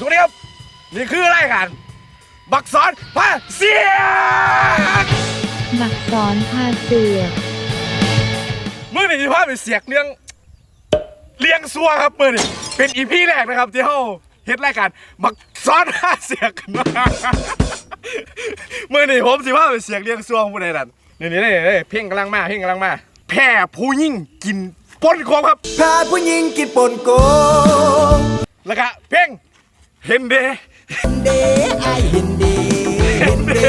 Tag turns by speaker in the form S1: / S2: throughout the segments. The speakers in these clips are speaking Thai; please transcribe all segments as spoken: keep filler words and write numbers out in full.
S1: วัสดีครับนี่คือรายการบักสอนพาเสียก
S2: บักสอนพาเสียก
S1: เมื่อนี้พาไปเสียกเรื่องเลี้ยงซัวครับเมื่อนี้เป็นอีพีแรกนะครับที่เขาเฮ็ดรายการบักสอนพาเสียกมาเมื่อนี้ผมสิพาไปเสียกเลี้ยงซัวผู้ใดนั่นนี่นี่นี่เพ่งกำลังมาเพ่งกำลังมาแพ้ผู้ยิ่งกินปนโคมครับ
S3: แพ้ผู้ยิ่งกินปนโกง
S1: แล้วก็เพ่งเห็นเด
S3: เดไอเห็นเดเห็นเด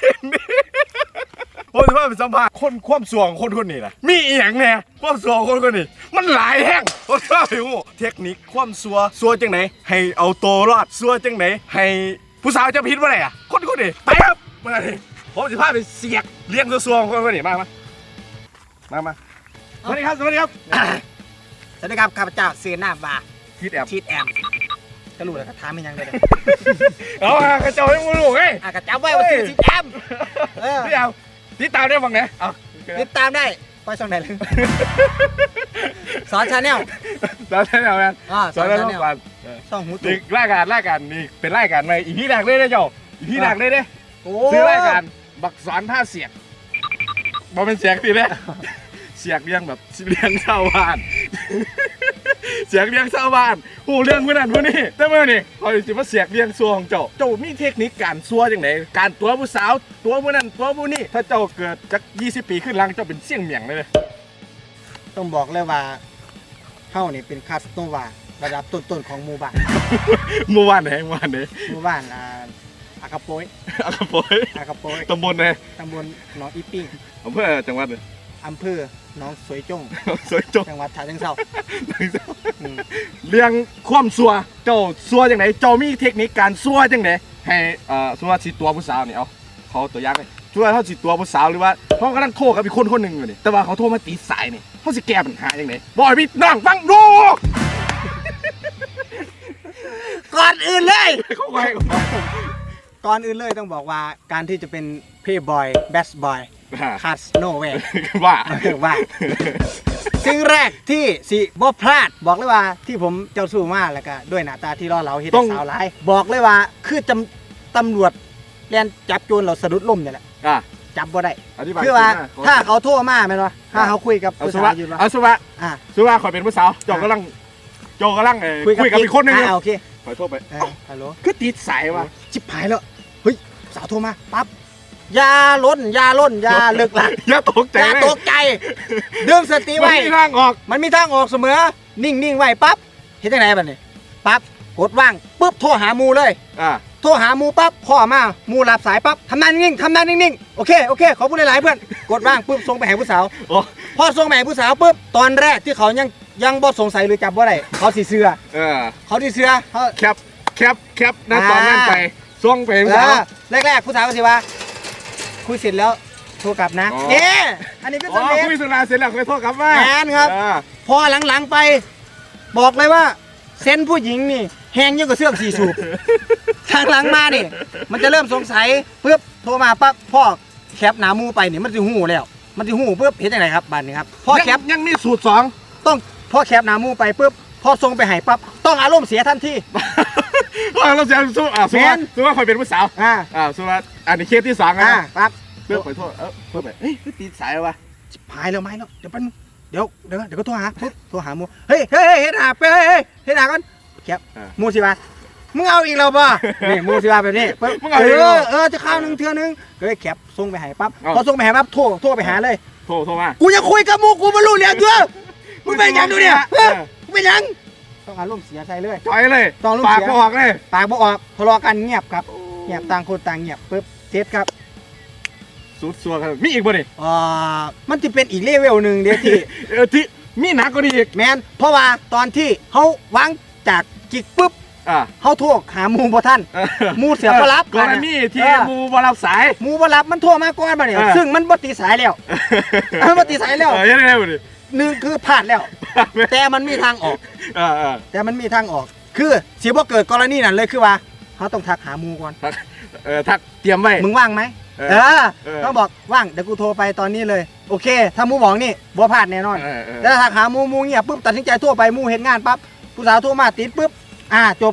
S1: ผมจะพาไปสัมภาษณ์คนความสวงคนคนนี้นะมีอีหยังแน่ความสวงคนคนนี้มันหลายแห้งผมจะพาไปหูเทคนิคความสัวสัวจังไหนให้เอาตัวรอดสัวจังไหนให้ผู้สาวจะพิษว่าไรอ่ะคนคนนี้ไปครับมาเลยผมจะพาไปเสียกเลี้ยงสัวๆคนคนนี้มามามามาสวัสดีครับสวัสดีครับ
S3: สวัสดีครับข้าพเจ้าเสียหน้าบา
S1: ชีดแอม
S3: ชีดแอมก็รู้แล้วก็ถามมันยังเลย
S1: เอากระเจ้าให้มึงรู้ไง
S3: กระเจ้าไว้ว่าชื่อชีดแอม
S1: พี่เอาติดตามได้บ้างไหนเอา
S3: ติดตามได้ไปช่องไหนเลยสอนชาแนล
S1: สอนชาแนลกัน
S3: สอนชาแนลช่องหู
S1: ตุกรายการรายการนี่เป็นรายการใหม่อีพีแรกเลยนะเจ้าอีพีแรกเลยเด้ซื้อรายการบักสอนท่าเสียกบอกเป็นเสียงตีเลยเสียกเลี้ยงแบบเลี้ยงชาวบ้านเสียกเลี้ยงชาวบ้านหูเรื่องพวกนั้นพวกนี้แต่เมื่อนี่เขาจะมาเสียกเลี้ยงซัวของเจ้าเจ้ามีเทคนิคการซัวอย่างไรการตัวผู้สาวตัวผู้นั้นตัวผู้นี้ถ้าเจ้าเกิดจากยี่สิบปีขึ้นหลังเจ้าเป็นเสี่ยงเหมี่ยงเลย
S3: ต้องบอกเลยว่าเฮ้านี่เป็นคาสโนวาระดับต้นๆของหมู่บ้าน
S1: หมู่บ้านไหนหมู่บ้านไหน
S3: หมู่บ้านอ่าอากาโปย
S1: อากาโปย
S3: อากาโปย
S1: ตำบลไหน
S3: ตำบลหนองอีปิ้ง
S1: อำเภอจังหวัดเลย
S3: อำเภอหนองสวยจง
S1: สวยจง
S3: จังหวัดฉะเชิงเทรา
S1: เรื่องความซัวเจ้าซัวจังไหนเจ้ามีเทคนิคการซัวจังไหนให้อ่าซัวสิตัวผู้สาวนี่เอาเขาตัวยักษ์เลยซัวเขาสิตัวผู้สาวหรือว่าเขากำลังโทรกับอีกคนคนหนึ่งอยู่นี่แต่ว่าเขาโทรมาตีสายนี่เขาสิแก้ปัญหาจังไหนบอยพี่น้องฟังดู
S3: ก่อนอื่นเลย
S1: เขาไป
S3: ก่อนอื่นเลยต้องบอกว่าการที่จะเป็นเพย์บอยแบสบอยคาสโนเว
S1: ว่า
S3: ว่าสิ่งแรกที่สิบ่พลาดบอกเลยว่าที่ผมเจ้าสู้มากแล้วก็ด้วยหน้าตาที่ล่อเหลาเฮ็ดสาวหลายบอกเลยว่าคือจำตำรวจเรียนจับโจรเราสะดุดล้มนี่แหละจับบ่ได้คือว่าถ้าเขาโทรมาแม่นบ่ถ้าเขาคุยกับ
S1: ผู้สาวอยู่ว่าเอาสุวะอ่าสุวะขอเป็นผู้สาวเจ้ากำลังเจ้ากำลังคุยกับอีกคนนึง
S3: โอเค
S1: ขอโทษไป
S3: ฮัลโหล
S1: คือติดสายว่ะ
S3: ชิบหายแล้วเฮ้ยสาวโทรมาปั๊บยาล้นยาล้นยาเลิกหลัก
S1: อย่าตกใจ
S3: อย่าตกใจดึงสติไว้
S1: มันมีทางออก
S3: มันมีทางออกเสมอนิ่งนิ่งไว้ปั๊บเห็นจังไหนบัดนี้ปั๊บกดว่างปุ๊บโทรหามูเลย
S1: อ่า
S3: โทรหามูปั๊บพ่อมามูรับสายปั๊บทำหน้านิ่งทำหน้านิ่งๆโอเคโอเคขอพูดหลายๆเพื่อนกดว่างปุ๊บส่งไปหาผู้สาวพอส่งไปหาผู้สาวปุ๊บตอนแรกที่เขายังยังบ่สงสัยหรือจับบ่ได้เขาสิเชื่อ
S1: เออ
S3: เขาสิเชื่อเขา
S1: แคปแคปแคปนั่นตอนนั้นไปส่งไปผู้สาว
S3: แรกๆผู้สาวก็สิว่าคุยเสร็จแล้วโทรกลับนะเอ๊ะอันนี้เป็นสำเร็จ
S1: คุยสุราเสร็จแล้วค่อยโทรกลับมา
S3: แอนครับพอหลังๆไปบอกเลยว่าเซนผู้หญิงนี่แหงยิ่งกว่าเสื้อสีสูบทางหลังมานี่มันจะเริ่มสงสัยปุ๊บโทรมาปั๊บพ่อแคปหนามูไปนี่มันจะหูแล้วมันจะหูปุ๊บเห็นยังไงครับบัตรนี้ครับพ่อแคป
S1: ยังมีสูตรสอง
S3: ต้องพ่อแคปหนามูไปปุ๊บพอส่งไปให้ปั๊บต้องอารมณ์เสียทันที
S1: เราจะสู้อ่ะสู้ว่าสู้ว่าคอยเป็นผู้สาวอ่าอ่าสู้ว่าอันนี้เคสที่สองนะ
S3: ปั๊บ
S1: เพื่อขอโทษเออเพื่อไปเฮ้ยตีสายวะ
S3: หายแล้วไหมเนาะเดี๋ยวเป็นเดี๋ยวเดี๋ยวเดี๋ยวก็โทรหาปุ๊บโทรหามูเฮ้ยเฮ้ยเฮ็ดหาไปเฮ้ยเฮ็ดหากันแคปมูสิบามึงเอาอีกแล้วป่ะนี่มูสิบาแบบนี้เออเออจะข้าวหนึ่งเทื่อนึงก็เลยแคปส่งไปให้ปั๊บพอส่งไปให้ปั๊บโทรโทรไปหาเลย
S1: โทรโทรมา
S3: กูจะคุยกับมูกูมารู้เรื่องเถอะมึงเป็นยังดูเนี่ยมึงเป็นยังต้องอารมณ์เสียใจเลย
S1: ถอยเลย
S3: ต้อง
S1: ปากบ่ออกเลย
S3: ปากบ่ออกทะเลาะกันเงียบครับเงียบต่างคนต่างเงียบปุ๊บเซตครับ
S1: สุดสัวครับมีอีกบ่นี่
S3: อ่ามันจะเป็นอีกเลเวลหนึ่งเดี๋ยวที่
S1: เออที่มีหนักกว่านี้อีก
S3: แมนเพราะว่าตอนที่เขาวางจากจิกปุ๊บเขาโทรหามูบ่ท่านมูเสียบ่รับ
S1: กรณีที่มูบ่รับสาย
S3: มูบ่รับมันโทรมาก่อนมาเนี่ยซึ่งมันบ่ติดสายแล้วมันบ่ติดสายแล้ว
S1: ยังไงบ่นี่
S3: หนึ่งคือพลาดแล้วแต่มันมีทางออกแต่มันมีทางออกคือสิบ่เกิดกรณีนั้นเลยคือว่าเขาต้องทักหามูก่อน
S1: เออทักเตรียมไว้
S3: มึงว่างไหมเออต้องบอกว่างเดี๋ยวกูโทรไปตอนนี้เลยโอเคถ้ามูบอกนี่บ่พลาดแน่นอนแล้วถ้าหามูมูเงียบปุ๊บตัดสินใจโทรไปมูเห็นงานปั๊บผู้สาวโทรมาติดปุ๊บอ่าจบครับ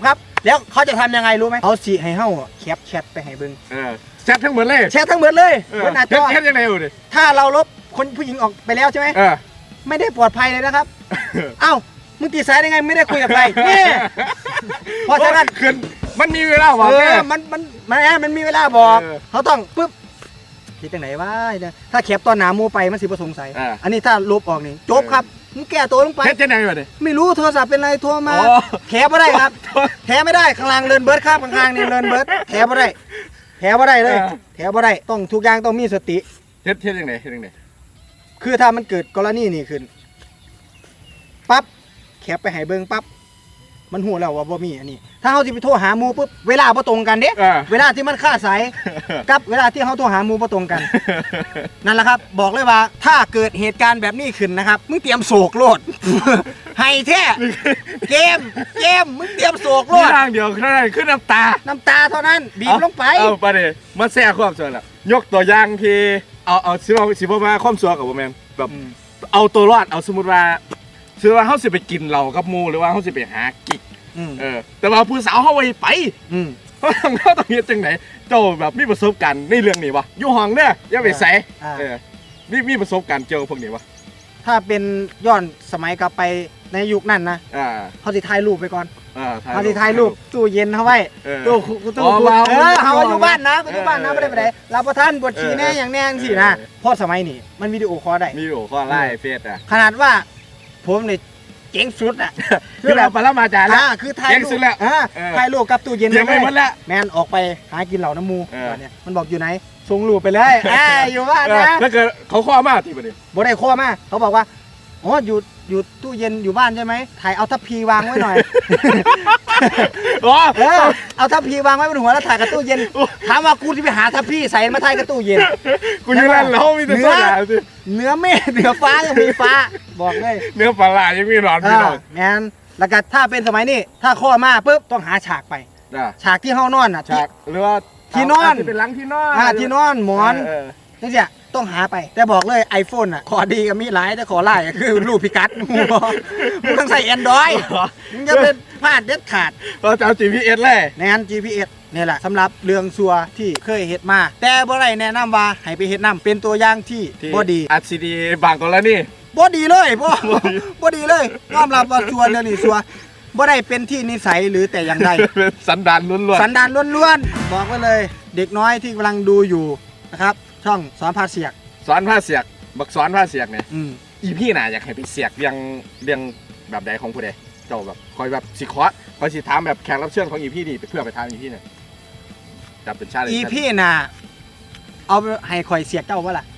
S3: แล้วเขาจะทำยังไงรู้ไหมเขาสิให้เฮาแคปแชทไปให้เบิ่ง
S1: เออแชททั้งหมดเลย
S3: แชททั้งหมดเลย
S1: เออบ
S3: นหน้า
S1: แช
S3: จ
S1: ท
S3: อ
S1: แชทยังไงอยู่ดิ
S3: ถ้าเราลบคนผู้หญิงออกไปแล้วใช่ไหม
S1: เออ
S3: ไม่ได้ปลอดภัยเลยนะครับ เอ้ามึงตีสายได้ไงไม่ได้คุยกับใครนี่เพราะฉะนั้น
S1: คืนมันมีเวลาบอก
S3: เอ
S1: แม่
S3: อมันมันมันมันมีเวลาบอก
S1: เออ
S3: เขาต้องปึ๊บคิดจังไหนวะเนี่ยถ้าแคปตอนหนามูไปมันสิบ่สงสัย
S1: อ่า
S3: อันนี้ถ้าลบออกนี่จบครับมึงแก้ตัวลงไป
S1: แชทยังไงอยู่ดิ
S3: ไม่รู้โทรศัพท์เป็นไรโทรมา
S1: อ๋อ
S3: แถไม่ได้ครับ แถไม่ได้ข้างล่างเลินเบิร์ดครับข้างล่างนี่เลินเบิร์ดแถไม่ได้แถไม่ได้เลยแถไม่ได้ต้องทุกอย่างต้องมีสติ
S1: แชทแชทยังไงแชทยังไง
S3: คือถ้ามันเกิดกรณีนี่ขึ้นปั๊บแคปไปให้เบิ่งปั๊บมันหูแล้วว่าบ่มีอันนี้ ถ้าเขาสิไปโทรหาหมู่ปุ๊บเวลาบ่ตรงกันเด้
S1: อ่า
S3: เวลาที่มันค่าสายกับเวลาที่เขาโทรหาหมู่บ่ตรงกัน นั่นแหละครับ บอกเลยว่าถ้าเกิดเหตุการณ์แบบนี้ขึ้นนะครับมึงเตรียมโศกโลด ให้แท้เกมเกมมึงเตรียมโศกโล
S1: มี
S3: ด
S1: ทางเดียวแค่นั้นขึ้นน้ำตา
S3: น้ำตาเท่านั้นบีบลงไป
S1: เอาไปเลยมาแซ่ความสวยละยกตัวอย่างที่เอาเอาสิว่าสิบ่มาความสวยกับบ่แม่นแบบ
S3: อืม
S1: เอาตัวรอดเอาสมมุติว่าสมมุติว่าเฮาสิไปกินเหล้ากับหมู่หรือว่าเฮาสิไปหากิ๊ก
S3: อืม
S1: เออแต่ว่าผู้สาวเฮาบ่ให้ไป
S3: อืม
S1: เฮาต้องเฮาต้องเฮ็ดจังไดเจ้าแบบมีประสบการณ์ในเรื่องนี้บ่อยู่ห้องเด้ออย่าไปใส่
S3: อ่า
S1: เออมีมีประสบการณ์เกี่ยวกับพวกนี้บ่
S3: ถ้าเป็นย้อนสมัยกลับไปในยุคนั้นนะ
S1: อ่า
S3: เขาสิถ่ายรูปไปก่อน
S1: อ่า
S3: เขาสิถ่ายรูปตู้เย็นเขาไว้
S1: เออ
S3: ตู้คุตู้
S1: อ๋อ
S3: คุ
S1: ว้าว
S3: เออเขาอยู่บ้านนะเขาอยู่บ้านนะ
S1: เออ
S3: ไม่ได้ไปไหนรับประทานบทชีแน่
S1: เออ
S3: อย่างแน่สินะ
S1: เออ
S3: เพราะสมัยนี้มันวิดีโอคอลได้
S1: มีอยู่ข้อไล่เฟซอ่ะ
S3: ขนาดว่าผมเนี่ยเจ๋งสุดอ่ะ
S1: คือแบบปรมาจารย์แล้ว
S3: อ่าคือถ่าย
S1: เจ๋ง
S3: รู
S1: สุ
S3: ป
S1: ดแล้ว
S3: อ่า
S1: เออ
S3: ถ่ายรูปกับตู้เย็น
S1: เตรียมไว้หมดแล้ว
S3: แมนออกไปหากินเหล่าน้ำมู
S1: เออ
S3: ตอนเนี้ยมันบอกอยู่ไหนส่งรูปไปเลยอ่าอยู่บ้าน
S1: เออ
S3: นะ
S1: แล้วเกิดเขาข้อมากที่ประเด็น
S3: บ่ได้ข้อมาเขาบอกว่าอ๋ออยู่อยู่ตู้เย็นอยู่บ้านใช่ไหมถ่ายเอาทัพพีวางไว้หน่อย
S1: อ๋อ
S3: เออเอาทัพพีวางไว้บนหัวแล้วถ่ายกับตู้เย็นถามว่ากูที่ไปหาทัพพีใส่มาถ่ายกับตู้เย็น
S1: กูอยู่นั่นแล้วมีแต่
S3: เนื้
S1: โซ
S3: อ
S1: ดาสิ
S3: เนื้อเมฆเหนือฟ้ายังมีฟ้าบอกเลย
S1: เนื้อปลาร้ายังมีหลอน
S3: เอ
S1: พี่น้
S3: อ
S1: อง
S3: แมนแล้วก็ถ้าเป็นสมัยนี้ถ้าข้อมาปุ๊บต้องหาฉากไป
S1: อ่ะ
S3: ฉากที่เฮานอนอ่ะ
S1: ฉากหรือว่า
S3: ที่นอน
S1: ที่เป็นหลังที่นอน
S3: อ่าที่นอนหมอน
S1: เออ
S3: นี่สิต้องหาไปแต่บอกเลย iPhone อ่ะขอดีกับมีหลายแต่ขอไล่คือรูปพิกัด มึงต้องใส่ Android มึงจะเป็นพลาดเด็ดขาด
S1: เราจะเอา จี พี เอส เลย
S3: ในอัน จี พี เอส นี่แหละสำหรับเรื่องซัวที่เคยเฮ็ดมา แต่บ่ได้แนะนำว่าให้ไปเฮ็ดนํเป็นตัวอย่างที่
S1: ที่
S3: บ่ดี
S1: อัดซีดีบางกรณี
S3: บ่ดีเลยบ่บ่ดีเลยยอมรับว่าซัวเรื่องนี้ซัวบ่ได้เป็นที่นิสัยหรือแต่อย่างใด
S1: เป็นสันดานล้วนๆ
S3: สันดานล้วนๆบอกไว้เลย เด็กน้อยที่กำลังดูอยู่นะครับ ช่องสอนพาเสียก
S1: สอนผ้าเสียกบักสอนผ้าเสียกเนี่ย
S3: อืม
S1: อีพี่น่ะอยากให้ไปเสียกเรียงเรียงแบบใดของผู้ใดเจ้าแบบคอยแบบสิคอสคอยสิถามแบบแขกรับเชิญของอีพี่นี่เพื่อไปถามอีพี่เนี่ยจับเป็นชาติ
S3: อีพี่น่ะเอาไปให้ข่อยเสียกเจ้าบ่ล่ะ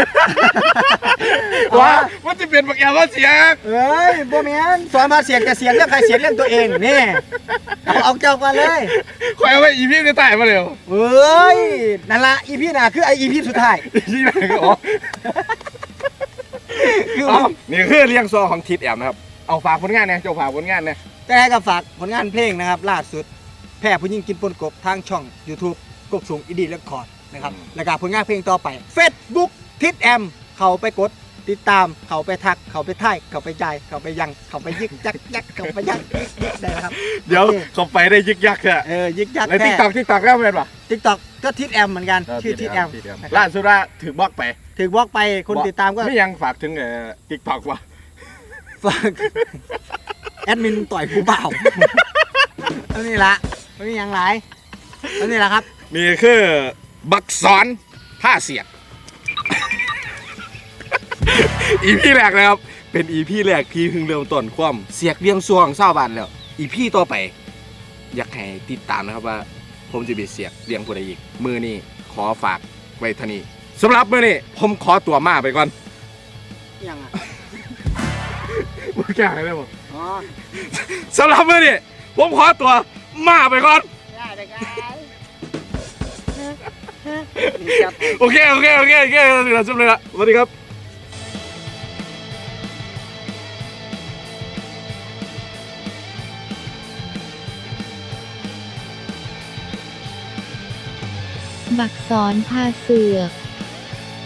S1: ว่ามันจะเป็นบักแอลว่าเสียก
S3: เอ้ยบ่แม่นสอนพาเสียกจะเสียกเรื่องใครเสียกเรื่องตัวเองนี่เอาเอาเจ้ากันเลย
S1: คอยเอาไว้อีพี่จะตายมาเร็ว
S3: เอ้ยนั่นละอีพี่น่ะคือไออีพี่สุดท้าย
S1: อีพี่ไหนก็อ๋อ
S3: คือ
S1: เอานี่คือเรียงซอของทิดแอมนะครับเอาฝากผลงานเนี่ยเจ้าฝากผลงานเนี่ย
S3: แต่ให้กับฝากผลงานเพลงนะครับล่าสุดแพร่ผู้หญิงกินปนกบทางช่อง YouTube กบสูงอีดีเรคคอร์ดนะครับแล้วก็ผลงานเพลงต่อไป Facebook ทิดแอมเข้าไปกดติดตามเข้าไปทักเข้าไปท่ายเข้าไปจ่ายเข้าไปยังเข้าไปยึกยักยักเข้าไปยักได้นะครับ
S1: เดี๋ยว
S3: โอค
S1: เขาไปได้ยึกยักษ์อะ
S3: เออยึกยัก
S1: แล้ว
S3: แค่
S1: ติ๊กตอกติ๊กตอกแล้วเป็นปะ
S3: ทิกตอกก็ทิดแอมเหมือนกันชื่อทิดแอม
S1: ล่าสุดว่าถือบล็อกไป
S3: ถึงบล็อกไปคนติดตามก็
S1: ไม่ยังฝากถึงเอ่อติ๊กตอกวะ
S3: ฝากแอดมินต่อยกูเปล่าอันนี้ละไม่มีอย่างไรอันนี้ละครับ
S1: นี่คือบักสอนผ้าเสียก อีพีแรกนะครับเป็นอีพีแรกที่เพิ่งเริ่มต้นความเสียกเรียงซวงเศร้าบานแล้วอีพีต่อไป อยากให้ติดตามนะครับว่า ผมจะไปเสียกเรียงผู้ใดอีกมือนี้ขอฝากไว้เท่านี้สำหรับมือนี้ผมขอตัวมาไปก่อน
S3: ยังอ่ะ
S1: มึงแก่ได้บ่
S3: อ๋อ
S1: สำหรับมือนี้ผมขอตัวมาไปก่อน
S3: ได้ได้ได้
S1: โอเคโอเคโอเคโอเคเราจบเลยละสวัสดีครับ
S2: บักสอนพาเสือก